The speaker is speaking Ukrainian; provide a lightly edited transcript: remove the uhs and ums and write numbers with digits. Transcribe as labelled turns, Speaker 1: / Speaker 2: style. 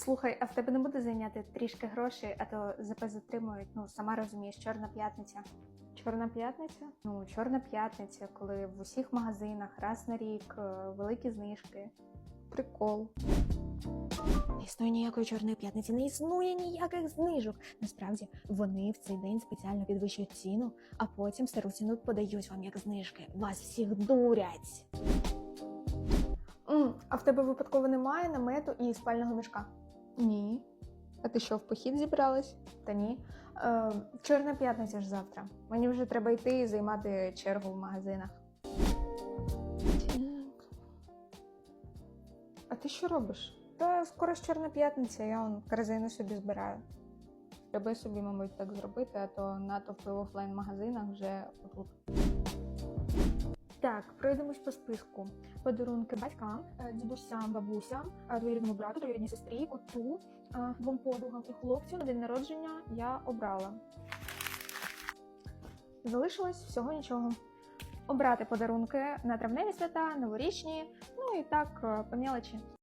Speaker 1: Слухай, а в тебе не буде зайняти трішки грошей, а то ЗП затримують, ну, сама розумієш, Чорна п'ятниця. Чорна п'ятниця? Ну, Чорна п'ятниця, коли в усіх магазинах раз на рік великі знижки. Прикол.
Speaker 2: Не існує ніякої чорної п'ятниці, не існує ніяких знижок. Насправді, вони в цей день спеціально підвищують ціну, а потім стару ціну подають вам як знижки. Вас всіх дурять.
Speaker 1: А в тебе випадково немає намету і спального мішка? Ні. А ти що, в похід зібралась? Та ні. Чорна п'ятниця ж завтра. Мені вже треба йти і займати чергу в магазинах. А ти що робиш? Та скоро ж Чорна п'ятниця, я вон корзину собі збираю. Треба собі, мабуть, так зробити, а то натовпи в офлайн-магазинах вже отут. Так, пройдемось по списку. Подарунки батькам, дідусям, бабусям, двоюрідному брату, двоюрідній сестрі, коту, двом подругам і хлопцю на день народження я обрала. Залишилось всього нічого. Обрати подарунки на травневі свята, новорічні, ну і так, по мелочі.